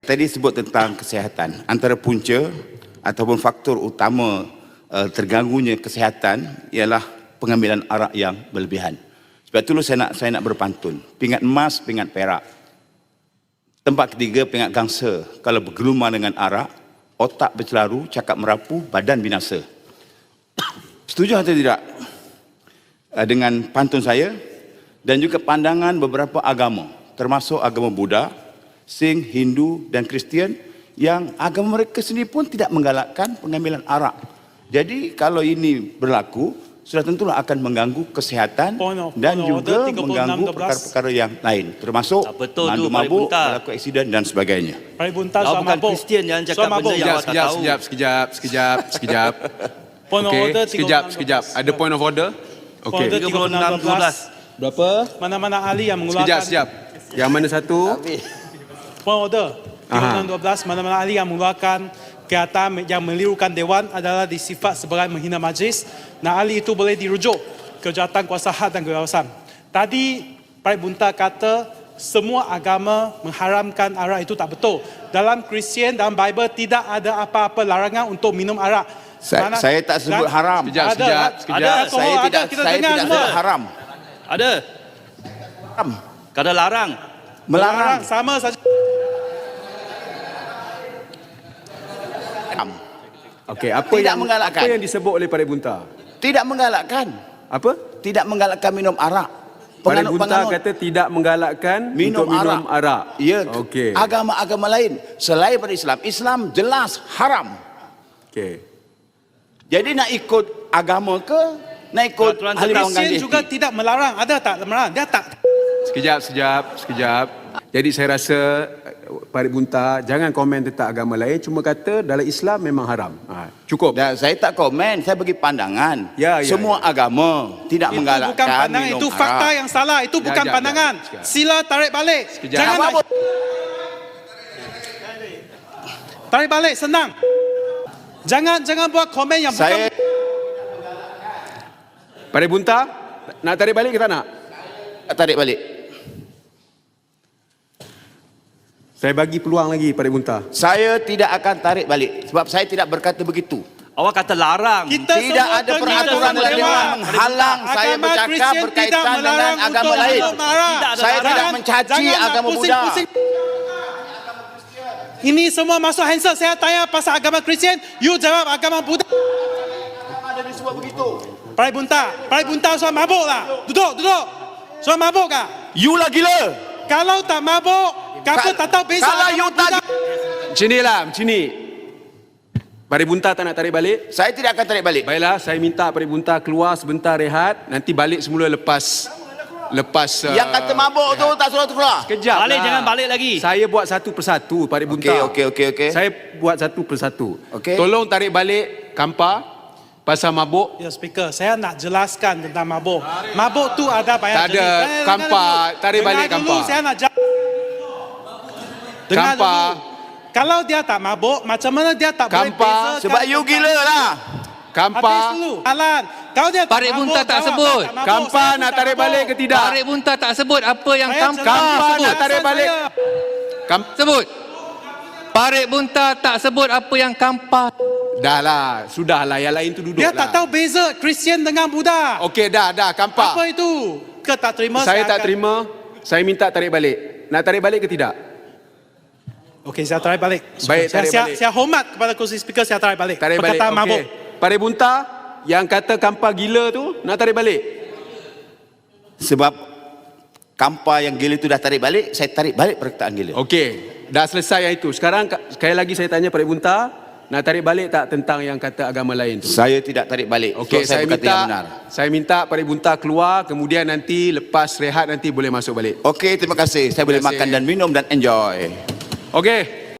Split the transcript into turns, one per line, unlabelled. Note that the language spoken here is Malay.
Tadi sebut tentang kesihatan. Antara punca ataupun faktor utama terganggunya kesihatan ialah pengambilan arak yang berlebihan. Sebab itulah saya nak berpantun. Pingat emas, pingat perak. Tempat ketiga, pingat gangsa. Kalau bergelumar dengan arak, otak bercelaru, cakap merapu, badan binasa. Setuju atau tidak dengan pantun saya? Dan juga pandangan beberapa agama, termasuk agama Buddha, Sikh, Hindu dan Kristian, yang agama mereka sendiri pun tidak menggalakkan pengambilan arak. Jadi kalau ini berlaku, sudah tentulah akan mengganggu kesihatan dan juga mengganggu perkara-perkara yang lain, termasuk mandu mabuk, berlaku aksiden dan sebagainya.
Kau bukan Kristian, jangan cakap benda yang awak tak tahu.
Sekejap. Okey, sekejap. Ada point of order? Okey.
36-12.
Berapa?
Mana-mana ahli yang mengeluarkan...
Sekejap. Yang mana satu?
Point order. 36-12. Mana-mana ahli yang mengeluarkan kata yang melirukan Dewan adalah disifat sebagai menghina majlis. Nah, ahli itu boleh dirujuk ke jawatan kuasa had dan kebebasan. Tadi Pak Bunta kata semua agama mengharamkan arak, itu tak betul. Dalam Kristian, dalam Bible tidak ada apa-apa larangan untuk minum arak.
Saya tak sebut haram.
Sekejap.
Saya tidak sebut haram.
Ada.
Haram.
Kada larang.
Melarang.
Sama saja.
Okey, apa yang disebut oleh Pak Bunta?
Tidak menggalakkan.
Apa?
Tidak menggalakkan minum arak.
Pak Bunta kata tidak menggalakkan minum arak.
Ya,
okey.
Agama-agama lain selain pada Islam. Islam jelas haram.
Okey.
Jadi nak ikut agama ke? Nak ikut ahli
Kristian juga tidak melarang. Ada tak melarang? Dia tak.
Sekejap. Jadi saya rasa Pak Bunta jangan komen tentang agama lain, cuma kata dalam Islam memang haram. Cukup.
Dan saya tak komen, saya bagi pandangan. Semua agama tidak menggalakkan
bukan pandangan,
minum
itu
arak.
fakta yang salah, itu bukan pandangan. Sila tarik balik. Jangan tarik balik, senang. Jangan buat komen yang bukan.
Pak Bunta, nak tarik balik ke tak nak?
Tarik balik.
Saya bagi peluang lagi Pak Bunta.
Saya tidak akan tarik balik sebab saya tidak berkata begitu.
Awak kata larang.
Tidak ada peraturan dalam Dewan menghalang saya bercakap berkaitan dengan agama lain. Saya tidak mencaci agama Buddha.
Ini semua masuk handset. Saya tanya pasal agama Kristian, you jawab agama Buddha.
Ada disebut begitu.
Pak Bunta soal mabuk lah. Duduk. Soal mabuk kah?
You lah gila.
Kalau tak mabuk, kamu tak tahu beza.
Kalau you tak
Macam ni. Pak Bunta tak nak tarik balik?
Saya tidak akan tarik balik.
Baiklah, saya minta Pak Bunta keluar sebentar rehat, nanti balik semula lepas
yang kata mabuk tu tak suruh keluar.
Sekejap.
Balik, jangan balik lagi.
Saya buat satu persatu Pak Bunta.
Okey.
Saya buat satu persatu.
Okey.
Tolong tarik balik Kampa pasal mabuk.
Ya, speaker, saya nak jelaskan tentang mabuk. Mabuk tu ada banyak
Tak ada. Kampa, tarik balik Kampa.
Saya nak dengar
Kampa.
dulu. Kalau dia tak mabuk, macam mana dia tak boleh bezakan?
Sebab you gila lah.
Kampa.
Alan, kalau dia tak
Pak Bunta tak sebut.
Kampa nak tarik balik ke tidak?
Pak Bunta tak sebut apa yang Kampa
Kampa
sebut.
nak tarik balik.
Sebut. Pak Bunta tak sebut apa yang Kampa.
Sudahlah, yang lain tu duduk.
Dia tak tahu beza Kristian dengan Buddha.
Okey, dah, Kampa.
Apa itu? Ke tak terima?
Saya tak terima. Saya minta tarik balik. Nak tarik balik ke tidak?
Okey, saya tarik balik.
Baik, tarik balik.
Saya hormat kepada kursi speaker, saya tarik balik.
Tarik balik.
Perkataan mabuk.
Pak Bunta, yang kata Kampa gila tu, nak tarik balik?
Sebab Kampa yang gila itu dah tarik balik, saya tarik balik perkataan gila.
Okey, dah selesai yang itu. Sekarang sekali lagi saya tanya Pak Bunta, nak tarik balik tak tentang yang kata agama lain tu?
Saya tidak tarik balik.
Okey, saya minta Pak Bunta keluar, kemudian nanti lepas rehat nanti boleh masuk balik.
Okey, terima kasih. Saya boleh makan dan minum dan enjoy.
Okey.